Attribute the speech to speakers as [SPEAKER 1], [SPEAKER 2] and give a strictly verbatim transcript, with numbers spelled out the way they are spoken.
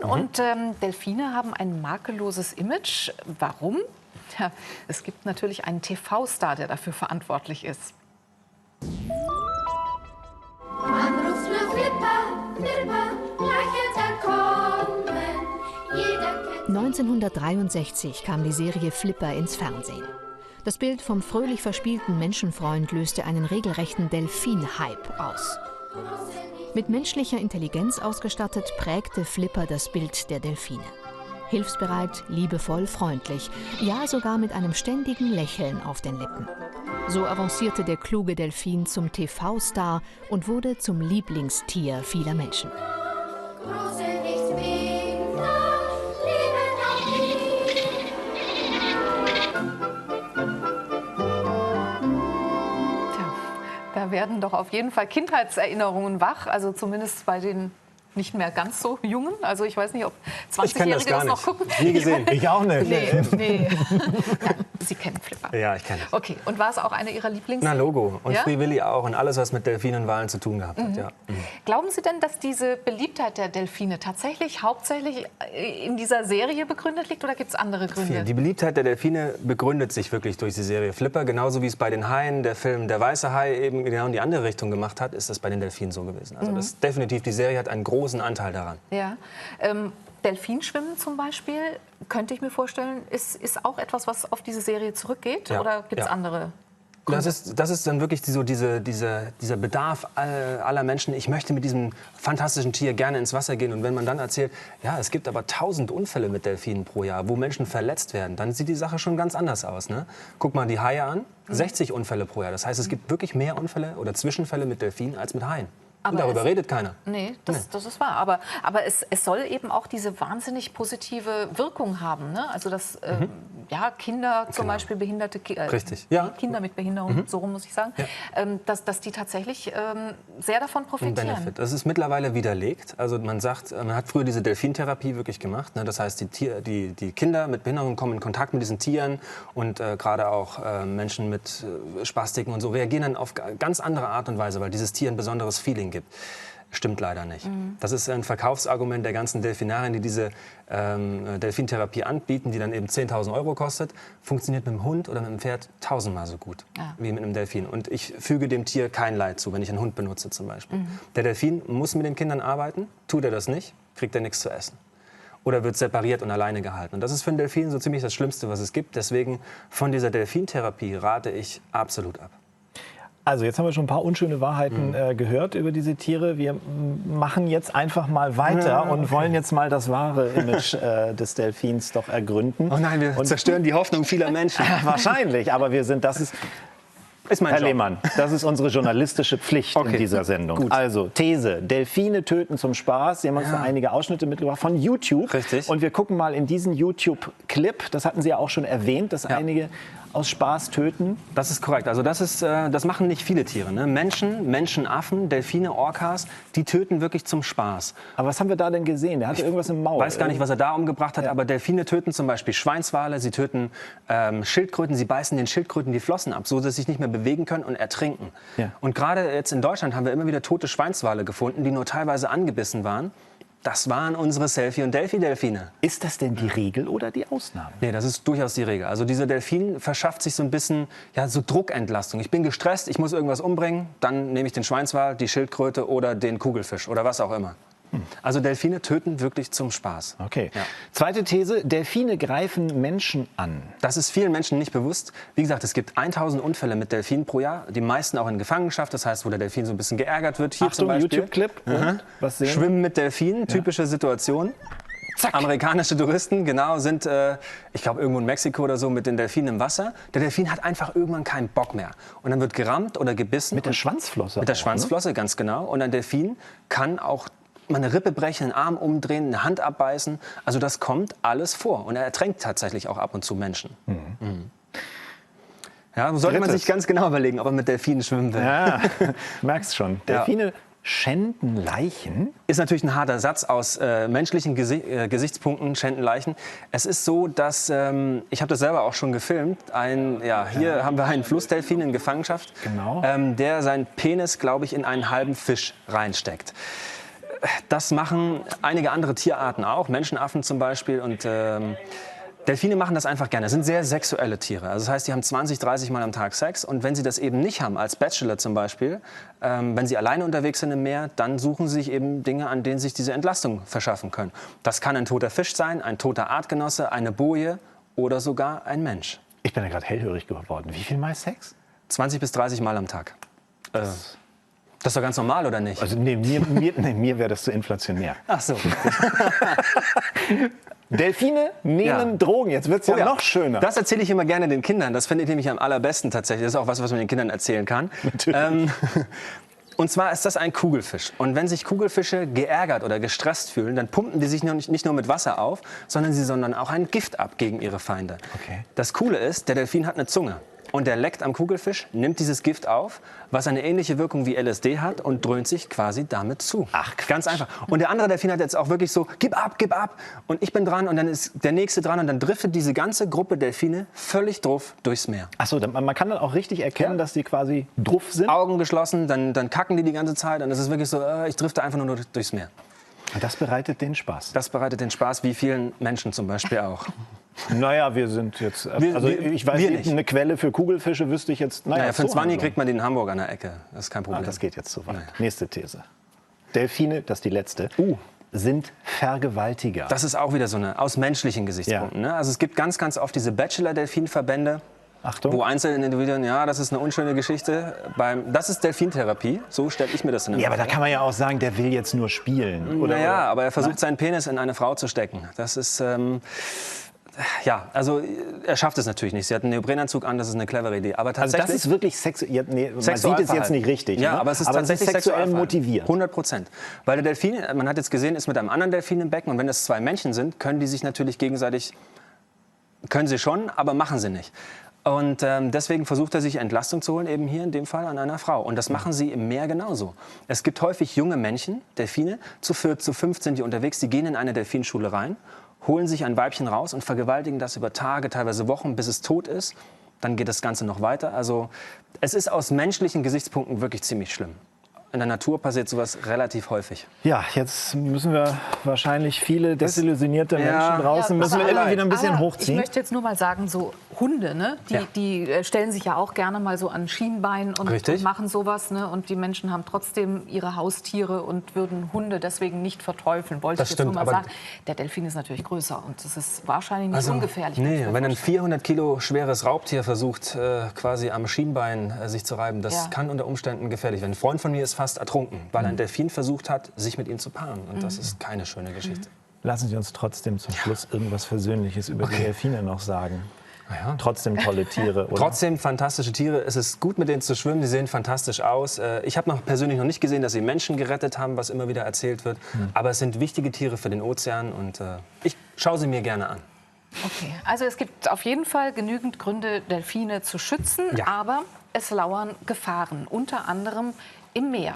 [SPEAKER 1] Und ähm, Delfine haben ein makelloses Image. Warum? Ja, es gibt natürlich einen T V-Star, der dafür verantwortlich ist.
[SPEAKER 2] Anruf nur Flipper, Flipper, gleich wird er kommen. Jeder kennt
[SPEAKER 3] neunzehnhundertdreiundsechzig kam die Serie Flipper ins Fernsehen. Das Bild vom fröhlich verspielten Menschenfreund löste einen regelrechten Delfin-Hype aus. Mit menschlicher Intelligenz ausgestattet prägte Flipper das Bild der Delfine. Hilfsbereit, liebevoll, freundlich, ja sogar mit einem ständigen Lächeln auf den Lippen. So avancierte der kluge Delfin zum T V-Star und wurde zum Lieblingstier vieler Menschen.
[SPEAKER 2] große Lichtbilder, leben auch nie.
[SPEAKER 1] Tja, da werden doch auf jeden Fall Kindheitserinnerungen wach, also zumindest bei den nicht mehr ganz so Jungen. Also ich weiß nicht, ob
[SPEAKER 4] Ich kenne das
[SPEAKER 1] zwanzigjährige
[SPEAKER 4] gar
[SPEAKER 1] das noch
[SPEAKER 4] nicht.
[SPEAKER 1] gucken.
[SPEAKER 4] Nie gesehen.
[SPEAKER 5] Ich auch nicht.
[SPEAKER 1] Nee, nee. Ja, Sie kennen Flipper.
[SPEAKER 4] Ja, ich kenne es.
[SPEAKER 1] Okay, und war es auch eine Ihrer Lieblings?
[SPEAKER 4] Na, Logo. Und
[SPEAKER 1] Ja?
[SPEAKER 4] Free Willy auch. Und alles, was mit Delfinen und Walen zu tun gehabt hat, ja. Mhm.
[SPEAKER 1] Glauben Sie denn, dass diese Beliebtheit der Delfine tatsächlich hauptsächlich in dieser Serie begründet liegt oder gibt es andere Gründe?
[SPEAKER 4] Die Beliebtheit der Delfine begründet sich wirklich durch die Serie Flipper. Genauso wie es bei den Haien, der Film Der weiße Hai eben genau in die andere Richtung gemacht hat, ist das bei den Delfinen so gewesen. Also das ist definitiv, die Serie hat einen großen Anteil daran.
[SPEAKER 1] Ja. Ähm, Delfinschwimmen zum Beispiel, könnte ich mir vorstellen, ist, ist auch etwas, was auf diese Serie zurückgeht?
[SPEAKER 4] Ja,
[SPEAKER 1] Oder gibt es
[SPEAKER 4] ja.
[SPEAKER 1] andere?
[SPEAKER 4] Das ist, das ist dann wirklich so diese, diese, dieser Bedarf all- aller Menschen. Ich möchte mit diesem fantastischen Tier gerne ins Wasser gehen. Und wenn man dann erzählt, ja, es gibt aber tausend Unfälle mit Delfinen pro Jahr, wo Menschen verletzt werden, dann sieht die Sache schon ganz anders aus. Ne? Guck mal die Haie an, sechzig Unfälle pro Jahr. Das heißt, es gibt wirklich mehr Unfälle oder Zwischenfälle mit Delfinen als mit Haien.
[SPEAKER 1] Aber
[SPEAKER 4] Und darüber
[SPEAKER 1] es-
[SPEAKER 4] redet keiner.
[SPEAKER 1] Nee, das,
[SPEAKER 4] Nee.
[SPEAKER 1] das ist wahr. Aber, aber es, es soll eben auch diese wahnsinnig positive Wirkung haben. Ne? Also, dass ähm, ja, Kinder, zum
[SPEAKER 4] Genau.
[SPEAKER 1] Beispiel behinderte Ki äh,
[SPEAKER 4] Richtig, ja.
[SPEAKER 1] Kinder mit Behinderung, so rum muss ich sagen,
[SPEAKER 4] Ja.
[SPEAKER 1] ähm, dass, dass die tatsächlich ähm, sehr davon
[SPEAKER 4] Ein
[SPEAKER 1] profitieren.
[SPEAKER 4] Benefit. Das ist mittlerweile widerlegt. Also man sagt, man hat früher diese Delfintherapie wirklich gemacht. Ne? Das heißt, die, Tier, die, die Kinder mit Behinderung kommen in Kontakt mit diesen Tieren und äh, gerade auch äh, Menschen mit äh, Spastiken und so reagieren dann auf ga- ganz andere Art und Weise, weil dieses Tier ein besonderes Feeling gibt. Stimmt leider nicht. Das ist ein Verkaufsargument der ganzen Delfinarien, die diese ähm, Delfintherapie anbieten, die dann eben zehntausend Euro kostet. Funktioniert mit dem Hund oder mit dem Pferd tausendmal so gut
[SPEAKER 1] Ah.
[SPEAKER 4] wie mit einem Delfin. Und ich füge dem Tier kein Leid zu, wenn ich einen Hund benutze zum Beispiel. Der Delfin muss mit den Kindern arbeiten. Tut er das nicht, kriegt er nichts zu essen. Oder wird separiert und alleine gehalten. Und das ist für einen Delfin so ziemlich das Schlimmste, was es gibt. Deswegen von dieser Delfintherapie rate ich absolut ab.
[SPEAKER 5] Also jetzt haben wir schon ein paar unschöne Wahrheiten äh, gehört über diese Tiere. Wir mm, machen jetzt einfach mal weiter
[SPEAKER 4] Ja,
[SPEAKER 5] und wollen jetzt mal das wahre Image äh, des Delfins doch ergründen.
[SPEAKER 4] Oh nein, wir
[SPEAKER 5] Und-
[SPEAKER 4] zerstören die Hoffnung vieler Menschen.
[SPEAKER 5] Wahrscheinlich, aber wir sind, das ist,
[SPEAKER 4] Ist mein
[SPEAKER 5] Herr
[SPEAKER 4] Job.
[SPEAKER 5] Lehmann, das ist unsere journalistische Pflicht in
[SPEAKER 4] Okay,
[SPEAKER 5] dieser Sendung.
[SPEAKER 4] gut.
[SPEAKER 5] Also These, Delfine töten zum Spaß. Sie haben uns da einige Ausschnitte mitgebracht von YouTube.
[SPEAKER 4] Richtig.
[SPEAKER 5] Und wir gucken mal in diesen YouTube-Clip, das hatten Sie ja auch schon erwähnt, dass
[SPEAKER 4] Ja.
[SPEAKER 5] einige aus Spaß töten.
[SPEAKER 4] Das ist korrekt. Also das, ist, äh, das machen nicht viele Tiere. Ne? Menschen, Menschenaffen, Delfine, Orcas, die töten wirklich zum Spaß.
[SPEAKER 5] Aber was haben wir da denn gesehen? Der hatte irgendwas im Maul.
[SPEAKER 4] Ich weiß gar nicht, was er da umgebracht hat, aber Delfine töten zum Beispiel Schweinswale, sie töten ähm, Schildkröten, sie beißen den Schildkröten die Flossen ab, so dass sie sich nicht mehr bewegen können und ertrinken.
[SPEAKER 5] Ja.
[SPEAKER 4] Und gerade jetzt in Deutschland haben wir immer wieder tote Schweinswale gefunden, die nur teilweise angebissen waren. Das waren unsere Selfie- und Delphi-Delfine.
[SPEAKER 5] Ist das denn die Regel oder die Ausnahme?
[SPEAKER 4] Nee, das ist durchaus die Regel. Also dieser Delfin verschafft sich so ein bisschen ja, so Druckentlastung. Ich bin gestresst, ich muss irgendwas umbringen, dann nehme ich den Schweinswal, die Schildkröte oder den Kugelfisch oder was auch immer. Also Delfine töten wirklich zum Spaß.
[SPEAKER 5] Okay.
[SPEAKER 4] Ja.
[SPEAKER 5] Zweite These, Delfine greifen Menschen an.
[SPEAKER 4] Das ist vielen Menschen nicht bewusst. Wie gesagt, es gibt tausend Unfälle mit Delfinen pro Jahr. Die meisten auch in Gefangenschaft, das heißt, wo der Delfin so ein bisschen geärgert wird. Hier zum
[SPEAKER 5] Achtung,
[SPEAKER 4] Beispiel.
[SPEAKER 5] YouTube-Clip.
[SPEAKER 4] Mhm.
[SPEAKER 5] Was sehen wir?
[SPEAKER 4] Schwimmen mit Delfinen, typische Situation. Amerikanische Touristen, genau, sind, äh, ich glaube, irgendwo in Mexiko oder so mit den Delfinen im Wasser. Der Delfin hat einfach irgendwann keinen Bock mehr. Und dann wird gerammt oder gebissen.
[SPEAKER 5] Mit der
[SPEAKER 4] Und-
[SPEAKER 5] Schwanzflosse.
[SPEAKER 4] Mit der
[SPEAKER 5] auch,
[SPEAKER 4] Schwanzflosse, ganz genau. Und ein Delfin kann auch mal eine Rippe brechen, einen Arm umdrehen, eine Hand abbeißen. Also das kommt alles vor. Und er ertränkt tatsächlich auch ab und zu Menschen. Mhm. Ja, sollte man
[SPEAKER 5] Drittes.
[SPEAKER 4] sich ganz genau überlegen, ob er mit Delfinen schwimmen will.
[SPEAKER 5] Ne? Ja, merkst schon. Delfine schänden Leichen.
[SPEAKER 4] Ist natürlich ein harter Satz aus äh, menschlichen Gesi äh, Gesichtspunkten, schänden Leichen. Es ist so, dass, ähm, ich habe das selber auch schon gefilmt, ein, ja, hier haben wir einen Flussdelfin in Gefangenschaft,
[SPEAKER 5] Genau.
[SPEAKER 4] ähm, der seinen Penis, glaube ich, in einen halben Fisch reinsteckt. das machen einige andere Tierarten auch, Menschenaffen zum Beispiel. Und ähm, Delfine machen das einfach gerne. Das sind sehr sexuelle Tiere. Also das heißt, die haben zwanzig, dreißig Mal am Tag Sex. Und wenn sie das eben nicht haben, als Bachelor zum Beispiel, ähm, wenn sie alleine unterwegs sind im Meer, dann suchen sie sich eben Dinge, an denen sie sich diese Entlastung verschaffen können. Das kann ein toter Fisch sein, ein toter Artgenosse, eine Boje oder sogar ein Mensch.
[SPEAKER 5] Ich bin ja gerade hellhörig geworden. Wie viel Mal Sex?
[SPEAKER 4] zwanzig bis dreißig Mal am Tag. Äh, das ist doch ganz normal, oder nicht?
[SPEAKER 5] Also nee, mir, mir, nee, mir wäre das zu inflationär.
[SPEAKER 4] Ach so.
[SPEAKER 5] Delfine nehmen
[SPEAKER 4] Ja.
[SPEAKER 5] Drogen. Jetzt wird es ja,
[SPEAKER 4] Oh ja.
[SPEAKER 5] noch schöner.
[SPEAKER 4] Das erzähle ich immer gerne den Kindern. Das finde ich nämlich am allerbesten tatsächlich. Das ist auch was, was man den Kindern erzählen kann. Ähm, und zwar ist das ein Kugelfisch. Und wenn sich Kugelfische geärgert oder gestresst fühlen, dann pumpen die sich nicht, nicht nur mit Wasser auf, sondern sie sondern auch ein Gift ab gegen ihre Feinde.
[SPEAKER 5] Okay.
[SPEAKER 4] Das Coole ist, der Delfin hat eine Zunge. Und der leckt am Kugelfisch, nimmt dieses Gift auf, was eine ähnliche Wirkung wie L S D hat und dröhnt sich quasi damit zu.
[SPEAKER 5] Ach, Quatsch.
[SPEAKER 4] Ganz einfach. Und der andere Delfin hat jetzt auch wirklich so, gib ab, gib ab. Und ich bin dran und dann ist der Nächste dran. Und dann driftet diese ganze Gruppe Delfine völlig drauf durchs Meer.
[SPEAKER 5] Achso, man kann dann auch richtig erkennen,
[SPEAKER 4] Ja.
[SPEAKER 5] dass die quasi druff sind.
[SPEAKER 4] Augen geschlossen, dann, dann kacken die die ganze Zeit. Und es ist wirklich so, äh, ich drifte einfach nur durchs Meer.
[SPEAKER 5] Und das bereitet den Spaß.
[SPEAKER 4] Das bereitet den Spaß, wie vielen Menschen zum Beispiel auch.
[SPEAKER 5] Naja, wir sind jetzt.
[SPEAKER 4] Wir-
[SPEAKER 5] also
[SPEAKER 4] wir-
[SPEAKER 5] ich weiß
[SPEAKER 4] wir
[SPEAKER 5] nicht,
[SPEAKER 4] nicht.
[SPEAKER 5] eine Quelle für Kugelfische wüsste ich jetzt. Naja,
[SPEAKER 4] Naja, für einen
[SPEAKER 5] so
[SPEAKER 4] Zwanni
[SPEAKER 5] Handlung.
[SPEAKER 4] kriegt man den in Hamburg an der Ecke. Das ist kein Problem.
[SPEAKER 5] Ah, das geht jetzt zu weit.
[SPEAKER 4] Naja.
[SPEAKER 5] Nächste These. Delfine, das ist die letzte,
[SPEAKER 4] Uh.
[SPEAKER 5] sind Vergewaltiger.
[SPEAKER 4] Das ist auch wieder so eine aus menschlichen Gesichtspunkten. Ne? Also es gibt ganz, ganz oft diese Bachelor-Delfin-Verbände,
[SPEAKER 5] Achtung.
[SPEAKER 4] wo einzelne Individuen, ja, das ist eine unschöne Geschichte. Beim, das ist Delfintherapie, so stelle ich mir das in
[SPEAKER 5] Ja, aber da kann man ja auch sagen, der will jetzt nur spielen. Oder,
[SPEAKER 4] Naja,
[SPEAKER 5] oder?
[SPEAKER 4] aber er versucht seinen Penis in eine Frau zu stecken. Das ist, ähm, ja, also er schafft es natürlich nicht. Sie hat einen Neoprenanzug an, das ist eine clevere Idee. Aber
[SPEAKER 5] Also
[SPEAKER 4] tatsächlich,
[SPEAKER 5] das ist wirklich sexuell. Ja, nee, man sieht es
[SPEAKER 4] Sexualverhalten.
[SPEAKER 5] jetzt nicht richtig.
[SPEAKER 4] Ja,
[SPEAKER 5] ne?
[SPEAKER 4] aber es ist
[SPEAKER 5] aber
[SPEAKER 4] tatsächlich
[SPEAKER 5] sexuell
[SPEAKER 4] Sexualverhalten.
[SPEAKER 5] motiviert.
[SPEAKER 4] hundert Prozent. Weil der Delfin, man hat jetzt gesehen, ist mit einem anderen Delfin im Becken. Und wenn es zwei Männchen sind, können die sich natürlich gegenseitig, können sie schon, aber machen sie nicht. Und ähm, deswegen versucht er sich Entlastung zu holen, eben hier in dem Fall an einer Frau. Und das machen sie im Meer genauso. Es gibt häufig junge Männchen, Delfine, zu vier, zu fünf sind die unterwegs, die gehen in eine Delfinschule rein, holen sich ein Weibchen raus und vergewaltigen das über Tage, teilweise Wochen, bis es tot ist. Dann geht das Ganze noch weiter. Also es ist aus menschlichen Gesichtspunkten wirklich ziemlich schlimm. In der Natur passiert sowas relativ häufig.
[SPEAKER 5] Ja, jetzt müssen wir wahrscheinlich viele desillusionierte
[SPEAKER 4] Ja.
[SPEAKER 5] Menschen draußen,
[SPEAKER 1] Ja,
[SPEAKER 5] müssen wir
[SPEAKER 1] aber-
[SPEAKER 5] immer wieder ein bisschen
[SPEAKER 1] aber
[SPEAKER 5] hochziehen.
[SPEAKER 1] Ich möchte jetzt nur mal sagen, so Hunde, ne? die,
[SPEAKER 4] Ja.
[SPEAKER 1] die äh, stellen sich ja auch gerne mal so an Schienbein und,
[SPEAKER 4] Richtig.
[SPEAKER 1] und machen sowas. Ne? Und die Menschen haben trotzdem ihre Haustiere und würden Hunde deswegen nicht verteufeln. Wollte
[SPEAKER 4] Das
[SPEAKER 1] ich jetzt nur
[SPEAKER 4] stimmt,
[SPEAKER 1] mal
[SPEAKER 4] aber-
[SPEAKER 1] sagen. Der Delfin ist natürlich größer und das ist wahrscheinlich nicht
[SPEAKER 4] Also,
[SPEAKER 1] ungefährlich. kann ich
[SPEAKER 4] nee,
[SPEAKER 1] mir
[SPEAKER 4] wenn ein
[SPEAKER 1] vorstellen.
[SPEAKER 4] vierhundert Kilo schweres Raubtier versucht, äh, quasi am Schienbein äh, sich zu reiben, das
[SPEAKER 1] Ja.
[SPEAKER 4] kann unter Umständen gefährlich werden. Ein Freund von mir ist fast ertrunken, weil ein Delfin versucht hat, sich mit ihm zu paaren. Und das ist keine schöne Geschichte.
[SPEAKER 5] Lassen Sie uns trotzdem zum Schluss irgendwas Versöhnliches über die Delfine noch sagen.
[SPEAKER 4] Ja.
[SPEAKER 5] Trotzdem tolle Tiere, oder?
[SPEAKER 4] Trotzdem fantastische Tiere. Es ist gut, mit denen zu schwimmen. Die sehen fantastisch aus. Äh, Ich habe noch persönlich noch nicht gesehen, dass sie Menschen gerettet haben, was immer wieder erzählt wird. Aber es sind wichtige Tiere für den Ozean und äh, ich schaue sie mir gerne an.
[SPEAKER 1] Okay, also es gibt auf jeden Fall genügend Gründe, Delfine zu schützen,
[SPEAKER 4] Ja.
[SPEAKER 1] aber es lauern Gefahren, unter anderem im Meer.